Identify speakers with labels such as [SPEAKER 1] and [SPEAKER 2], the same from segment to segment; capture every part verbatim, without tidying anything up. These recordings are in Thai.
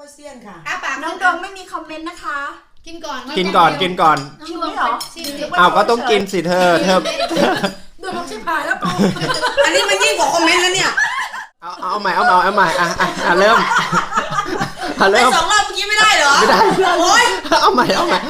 [SPEAKER 1] วยเซียนค่ะ
[SPEAKER 2] น้องดงไม่มีคอมเมนต์นะคะ
[SPEAKER 3] กินก่อน
[SPEAKER 4] กินก่อนกินก่อน
[SPEAKER 2] กินไม่หรอ
[SPEAKER 4] อ้าวก็ต้องกินสิเธอเธอ
[SPEAKER 2] โดนชิบหายแล้วปู
[SPEAKER 1] อันนี้มันยิ่งกว่าคอมเมนต์แล้วเนี่ย
[SPEAKER 4] เอาเอาใหม่เอาใหม่เอาใหม่อ่ะอ่ะเริ่มเริ่ม
[SPEAKER 1] สองรอบเมื่อกี้ไม่ได้เหรอ
[SPEAKER 4] ไม่ได้
[SPEAKER 1] โอ๊ย
[SPEAKER 4] เอาใหม่เอาใหม่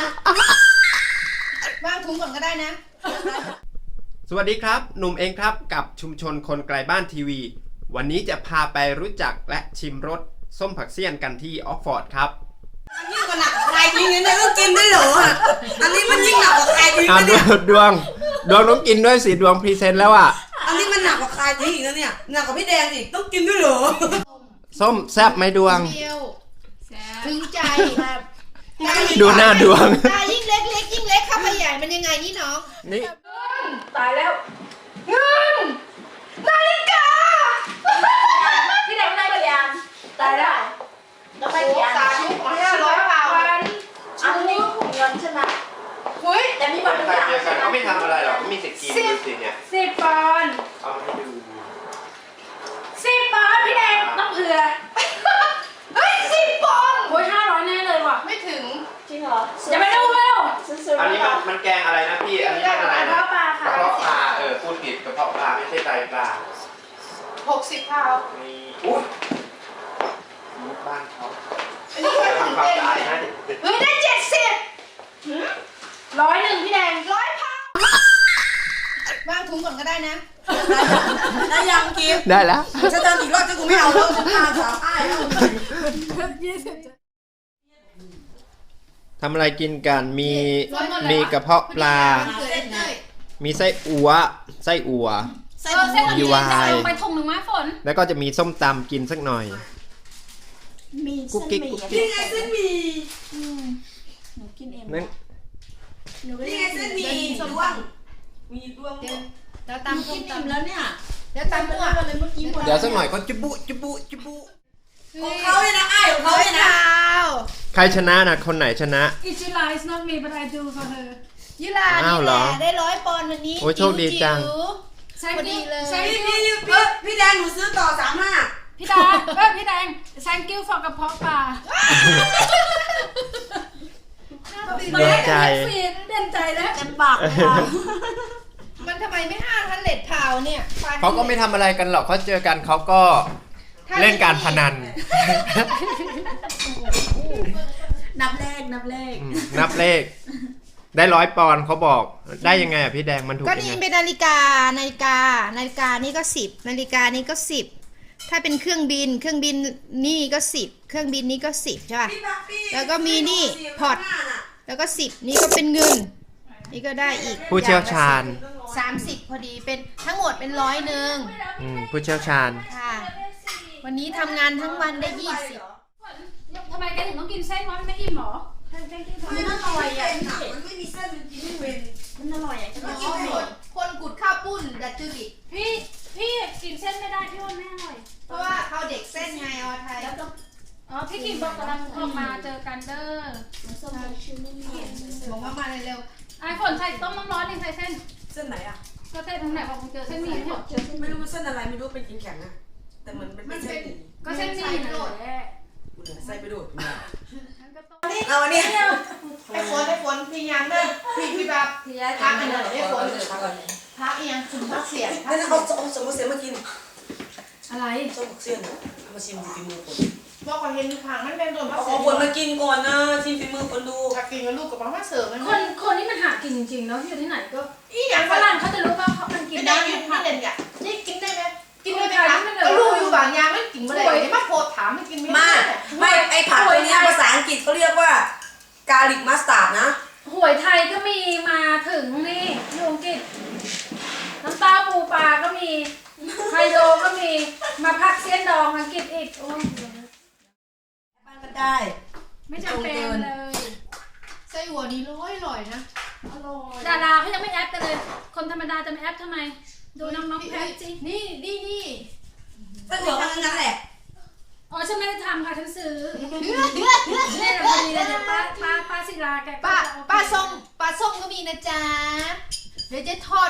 [SPEAKER 3] วางถุงก่อนก็ได้นะ
[SPEAKER 4] สวัสดีครับหนุ่มเองครับกับชุมชนคนไกลบ้านทีวีวันนี้จะพาไปรู้จักและชิมรสส้มผักเสี้ยนกันที่ออกฟอร์ดครับ
[SPEAKER 1] อันนี้ก็หนักกว่าใครจริงเนี่ยก็กินได้เหรออันนี้มันยิ่งหนักกว่าใครจริงเนี่ย
[SPEAKER 4] ดวงดวงต้องกินด้วยสิดวงพรีเซนต์แล้วอ่ะ
[SPEAKER 1] อันนี้มันหนักกว่าใครจริงอีกแล้วเนี่ยหนักกว่าพี่แดงอีกต้องกินด้วยเหรอ
[SPEAKER 4] ส้มแซ่บไหมดวง
[SPEAKER 3] ถึงใจ
[SPEAKER 4] ดูหน้าดวง
[SPEAKER 3] ตายิ่งเล็กเล็กยิ่งเล็กเข้าไปใหญ่มันยังไงนี่น้อง
[SPEAKER 4] นี่
[SPEAKER 2] ตายแล้วเงินนาฬิกาพี่แดงได้กี่อันตายแล้วแล้วไปกี่อันชุดของห้าร้อยบาทอันนี้ของเงินใช่ไหมเฮ้ยแต่มีบัตร
[SPEAKER 4] ใครเจอกันเขาไม่ทำอะไรหรอกมีสิทธิ์กินดูสิเนี่ย
[SPEAKER 2] สิบปอนด์
[SPEAKER 4] เอาให้ดู
[SPEAKER 2] สิบปอนด์พี่แดงต้องเผื่อเฮ้ยสิบปอนด์โอ้ยห้าร้อยแน่เลยว่ะไม่ถึงจริงเหรออย่าไปดูเร็ว
[SPEAKER 4] อันนี้มันมันแกงอะไรนะพี่อันนี้มันอะไรนะ
[SPEAKER 2] กระเพาะปลาค่ะ
[SPEAKER 4] กระเพาะปลาเออพูดผิดกระเพาะปลาไม่ใช่ไตปลา
[SPEAKER 2] หกสิบพาว
[SPEAKER 4] มีอุ้ยบ้านเขาอันนี้ก็ทำความสะอาดนะ
[SPEAKER 2] เฮ้ยได้เจ็ดสิบร้อยหนึ่งพี่แดงร้อยพาว
[SPEAKER 3] วางถุงก่อนก็ได้นะ
[SPEAKER 1] ได้ยังกิฟ
[SPEAKER 4] ได้แล้ว
[SPEAKER 1] จะเดินอีกรอบจะกูไม่เอาแล้วฉันพาสาวอ้ายแล้ว
[SPEAKER 4] ทำอะไรกินกันมีมีกระเพาะปลามีไส้อั่วไส้อั่ว
[SPEAKER 2] มีวายไปถุงหนึ่งไม้ฝน
[SPEAKER 4] แล้วก็จะมีส้มตำกินสักหน่อย
[SPEAKER 2] มี
[SPEAKER 4] กุ๊กกิ๊กกุ๊กกิ๊ก
[SPEAKER 1] นี่ไงเส้นหมี่
[SPEAKER 2] หนูกินเอง
[SPEAKER 4] นั่น
[SPEAKER 1] นี่ไงเส้นหมี่ดวงมีดวง
[SPEAKER 3] แล้วตำส้มตำ
[SPEAKER 2] แล้วเนี่ย
[SPEAKER 3] แล้วตำมั่วเลยเมื่อกี้หมด
[SPEAKER 4] เดี๋ยวสักหน่อยก็จุบุจุบุจุบุ
[SPEAKER 1] ของเขาเลยนะไอ้ของเขาเลยนะ
[SPEAKER 4] ใครชนะนะคนไหนชนะ
[SPEAKER 2] It's July it's not me but I do for her
[SPEAKER 3] ยุลานี่แหละได้ร้อยปอนด์วันนี้
[SPEAKER 4] โอ้โชคดีจัง
[SPEAKER 2] ใช่พอดีเลย
[SPEAKER 1] พี่พี่พี่แดงหนูซื้อต่อสามห้า
[SPEAKER 2] พี่ดาเออพี่แดง thank you for กระเพาะปลา
[SPEAKER 4] เด่นใจ
[SPEAKER 2] เด่นใจแล้ว
[SPEAKER 1] เต็มปาก
[SPEAKER 3] มันทำไมไม่ห้าทันเลดพาวเนี่ย
[SPEAKER 4] เขาก็ไม่ทำอะไรกันหรอกเขาเจอกันเขาก็เล่นการพนัน
[SPEAKER 1] นับเลขนับเลข
[SPEAKER 4] นับเลขได้ร้อยปอนด์เขาบอกได้ยังไงอ่ะพี่แดงมันถูก
[SPEAKER 3] ก็
[SPEAKER 4] ยังไง
[SPEAKER 3] นี่เป็นนาฬิกานาฬิกานาฬิกานี่ก็สิบนาฬิกานี่ก็สิบถ้าเป็นเครื่องบินเครื่องบินนี่ก็สิบเครื่องบินนี่ก็สิบใช่ป่ะแล้วก็มีนี่พอร์ตแล้วก็สิบนี่ก็เป็นเงินนี่ก็ได้อีก
[SPEAKER 4] ผู้เชี่ยวชาญ
[SPEAKER 3] สามสิบพอดีเป็นทั้งหมดเป็นร้อยหนึ่ง
[SPEAKER 4] ผู้เชี่ยวชาญ
[SPEAKER 3] ค่ะวันนี้ทำงานทั้งวันได้ยี่สิบ
[SPEAKER 2] ทำไมแกถึงต้องกินเส้นวะไม่อิ่มหรอ
[SPEAKER 1] มันอร่อยอ่ะมันไม่มีเส้นมันกินไม่เว้น
[SPEAKER 3] มันอร่อยอ่ะจะกินหมดคนกุดข้าวปุ้นดัดจุลิ
[SPEAKER 2] พี่พี่กินเส้นไม่ได้พี่ว่าไม่อร่อย
[SPEAKER 3] เพราะว่าเขาเด็กเส้นไงออไทยแล้วต้อง
[SPEAKER 2] อ๋อพี่กินบอกกำลังออกมาเจอกันเด้อ
[SPEAKER 3] บอกว่ามาเร็ว
[SPEAKER 2] ไอ้ฝนใส่ต้มน้ำร้อนยังใส่เส้น
[SPEAKER 1] เส้นไหนอ่ะ
[SPEAKER 2] ก็เส้นทางไหนบอกเจอเส้นหมี่เนี่ย
[SPEAKER 1] ไม่รู้เส้นอะไรไม่รู้เป็นกินแข็งนะแต่มันเป็นเส้น
[SPEAKER 2] ก็เส้นหมี่นะ
[SPEAKER 1] ใส่ไปดูด
[SPEAKER 3] เอาวันนี้ไอ้ฝนไอ้ฝนพี่ยังเด้อพี่พี่แบบพักอันนั้นไอ้ฝนพักยังคุณพักเสียง
[SPEAKER 1] นั่นเอาเอาสมมติเสียมากิน
[SPEAKER 2] อะไร
[SPEAKER 1] ส้มเสียนมาชิมฝีมือคน
[SPEAKER 3] บอกก่อนเห็นผังมันเป็นโดนพัก
[SPEAKER 1] เสียงเอาคนมากินก่อนนะชิมฝีมือคนดู
[SPEAKER 3] ถ้ากินกับลูกกับมาเสิร์ฟมัน
[SPEAKER 2] คนคนนี้มันหากินจริงๆเนาะอยู่ที่ไหนก็
[SPEAKER 3] อีอย่าง
[SPEAKER 2] ฝรั่งเขาจะรู้ว่าเขามันกิน
[SPEAKER 3] ได้ยืนนี่เด่นอ่ะนี่กินได้ไหมกินได้ไหมคะก็รู้อยู่บางอย่างไม่กินไม่ได้มาโพดถามไม่กินไม่
[SPEAKER 1] ได้ไม่ไอ้ผักตัวนี้ภาษาอังกฤษเขาเรียกว่ากาลิกมัสตาร์ดนะ
[SPEAKER 2] หวยไทยก็มีมาถึงนี่อยู่อังกฤษน้ำตาปูปลาก็มีไฮโลก็มีมาพักเสี้ยนดองอังกฤษอีกโอ้ย
[SPEAKER 1] บ้านก็ได้
[SPEAKER 2] ไม่จำเป็นเลย
[SPEAKER 3] ไส้หัวนี้ร้อยอร่อยนะ
[SPEAKER 2] อร่อยดาราเขายังไม่แอปกันเลยคนธรรมดาจะไม่แอปทำไมดูน้องๆแพ้จริง
[SPEAKER 3] นี่นี่นี่
[SPEAKER 1] ก็เหลือแค่นั้นแหละ
[SPEAKER 2] อ๋อฉันไม่ได้ทำค่ะฉันซื้อนี่เราพอดีเลยเดี๋ยวป้าป้าป้าศิลาแก
[SPEAKER 3] ป้าป้าส้มป้าส้มก็มีนะจ๊ะเดี๋ยวจะทอด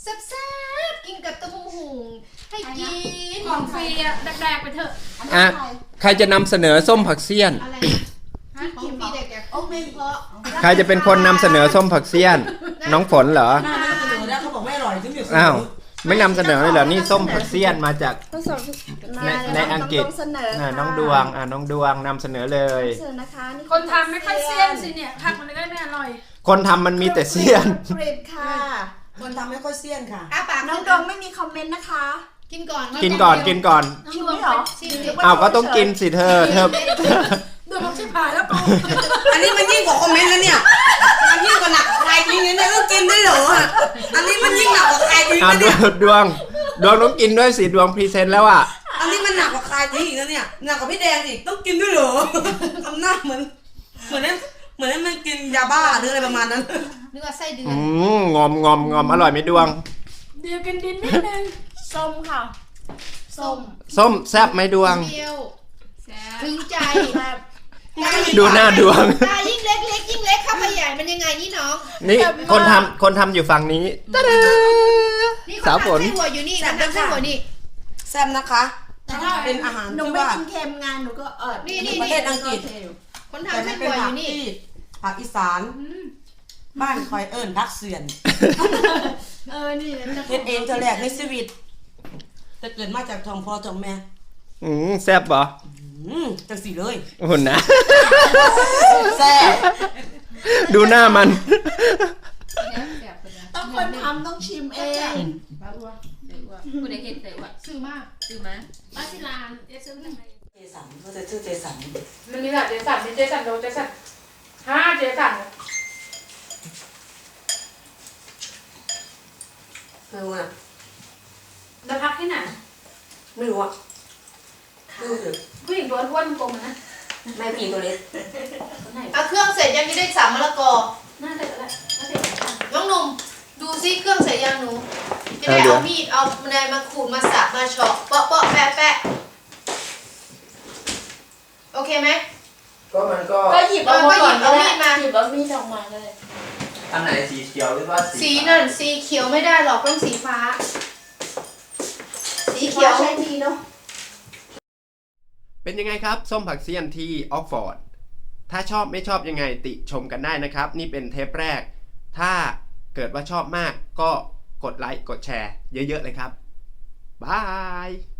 [SPEAKER 3] แซ่บๆกินกับตะมุงหุงให้กิน
[SPEAKER 2] ของฟรีอะแดกๆไปเถอะ
[SPEAKER 4] อ่ะใครจะนำเสนอส้มผักเสี้ยน
[SPEAKER 3] อะไรนะของพี่เด็กๆโอ้ไม่เพราะ
[SPEAKER 4] ใครจะเป็นคนนำเสนอส้มผักเสี้ยน น้องฝนเหรอ
[SPEAKER 1] หน้าไม่เสนอแล้วเขาบอกไม่อร่อยถึงเดี๋ยว
[SPEAKER 4] อ้าวไม่นำเสนอเลยเหรอนี่ส้มผักเสี้ยนมาจาก
[SPEAKER 5] ต้องสอน
[SPEAKER 4] ในในอังกฤษ
[SPEAKER 5] ต้องเสนอ
[SPEAKER 4] อ่ะ
[SPEAKER 5] ค่ะ
[SPEAKER 4] น้องดวงอ่ะน้องดวงนำเสนอเลย
[SPEAKER 5] เสนอนะคะนี่
[SPEAKER 2] คนทำไม่ค่อยเซียนสิเนี่ยผักมันก็ไม่อร่อย
[SPEAKER 4] คนทำมันมีแต่เสี้ยน
[SPEAKER 5] ผลิตค่ะ
[SPEAKER 1] คนทำไม่ค่อยเซียนค่ะ
[SPEAKER 3] อ้าปาก
[SPEAKER 5] น้องดวงไม่มีคอมเมนต์นะคะ
[SPEAKER 3] กินก่อน
[SPEAKER 4] กินก่อนกินก่อน
[SPEAKER 5] ชิมไม่เหรอ
[SPEAKER 3] ชิมดิ
[SPEAKER 4] อ้าวก็ต้องกินสิเธอเธอ
[SPEAKER 2] ดูมันชิบหายแล้วกู
[SPEAKER 1] อันนี้มันยิ่งกว่าคอมเมนต์แล้วเนี่ยมันยิ่งกว่าหนักใครจริงเนี่ยต้องกินด้วยเหรออันนี้มันยิ่งหนักกว่าใครจริง
[SPEAKER 4] อ่ะ
[SPEAKER 1] นะ
[SPEAKER 4] ด
[SPEAKER 1] เนี่
[SPEAKER 4] วย งดวงดวงต้องกินด้วยสิดวงพรีเซนต์แล้วอ่ะ
[SPEAKER 1] อันนี้มันหนักกว่าใครจริงอีกนะเนี่ยหนักกว่าพี่แดงอีกต้องกินด้วยเหรอทำหน้าเหมือนเหมือนนั้นเหมือนนั้นมันกินยาบ้าหรืออะไรประมาณนั้น
[SPEAKER 3] นึกว่าไส้เดือ
[SPEAKER 4] อื
[SPEAKER 3] น
[SPEAKER 4] มงอมงอมงอมอร่อยไหมดวง
[SPEAKER 2] เดี๋ยวกินดินนิดนึง
[SPEAKER 5] ส้มค่ะ ส้ม
[SPEAKER 4] ส้มแซ่บไหมดวง
[SPEAKER 3] เปรี้ยวถึงใจ
[SPEAKER 5] แบบ
[SPEAKER 4] ดูหน้าดวง
[SPEAKER 3] ตายิ่งเล็กเล็กยิ่งเล็กเข้าไปใหญ่มันยังไงนี่น้อง
[SPEAKER 4] นี่คนทำคนทำอยู่ฝั่งนี้ตะดา
[SPEAKER 3] นี่
[SPEAKER 4] สาวฝ
[SPEAKER 3] เขา
[SPEAKER 4] น
[SPEAKER 3] ทำไส้หัวอยู่นี่เขาทำไส้หัวนี่
[SPEAKER 1] แซ่บนะคะเป็นอาหาร
[SPEAKER 5] หนู
[SPEAKER 1] ที่
[SPEAKER 5] ไม่
[SPEAKER 1] ว่า
[SPEAKER 5] กินเค็มงานหนูก็เออ
[SPEAKER 3] นี่
[SPEAKER 1] ใน
[SPEAKER 3] นี่
[SPEAKER 1] ประเท
[SPEAKER 3] นี่
[SPEAKER 1] ศอังกฤษ
[SPEAKER 3] คน
[SPEAKER 1] แต่
[SPEAKER 3] ทำไส้
[SPEAKER 1] มันเป็
[SPEAKER 3] หั
[SPEAKER 1] น
[SPEAKER 3] วอ
[SPEAKER 1] ผัก
[SPEAKER 3] ยู่นี่
[SPEAKER 1] ที่ผักอีสานบ้านคอยเอิญพักเสือน
[SPEAKER 5] เออนี่นะ
[SPEAKER 1] เฮ็ดเองเธอแรกในชีวิตแต่เกิดมาจากท้องพ่อท้องแม่
[SPEAKER 4] อืมแซ่บปะ
[SPEAKER 1] อืมจังสีเลย
[SPEAKER 4] หุ่นนะ
[SPEAKER 1] แซ่บ
[SPEAKER 4] ดูหน้ามัน
[SPEAKER 5] ต้องคนทำต้องชิมเอง
[SPEAKER 2] กูได้เห็นแต่ว่า
[SPEAKER 3] ซื้อมาก
[SPEAKER 2] ซื้อมาบ้านที่ร้านเอซื้อทำไม
[SPEAKER 1] เจสันเขาจะชื่อเจสัน
[SPEAKER 2] มันมีหลายเจสันมีเจสันโดเจสันห้าเจสัน
[SPEAKER 1] ไม่รู้นะ
[SPEAKER 2] จะพักที่ไหน
[SPEAKER 1] ไม่รู้อ่ะไม่รู้เลย
[SPEAKER 2] ผู้หญิงตัวอ้วนกลมนะ
[SPEAKER 1] แม่ผีตัวเล็ก
[SPEAKER 2] คนไหน
[SPEAKER 3] เอาเครื่องเสร็จยังจะได้สามมะละกอ
[SPEAKER 2] น่าจะแล้วน่าจะ
[SPEAKER 3] น้องหนุ่มดูซิเครื่องเสร็จยังหนูจะได้
[SPEAKER 4] เอาเดี๋ยว
[SPEAKER 3] เอามีดเอาอะไรมาขูดมาสับมาเฉาะเปาะเปาะแปะแปะโอเคไหม
[SPEAKER 4] ก็มันก็
[SPEAKER 5] ก็หยิบเอามาก่อน
[SPEAKER 3] เอามีดมา
[SPEAKER 5] หยิบเอามีดออกมาเลย
[SPEAKER 4] อันไหนสีเขียวหรือว่า
[SPEAKER 3] สีนั่นสีเขียวไม่ได้หรอกต้องสีฟ้า สีเขียว
[SPEAKER 5] ใช้ดีเนาะ
[SPEAKER 4] เป็นยังไงครับ ส้มผักเสี้ยนที่ออกฟอร์ด ถ้าชอบไม่ชอบยังไงติชมกันได้นะครับ นี่เป็นเทปแรก ถ้าเกิดว่าชอบมากก็กดไลค์กดแชร์เยอะๆเลยครับบาย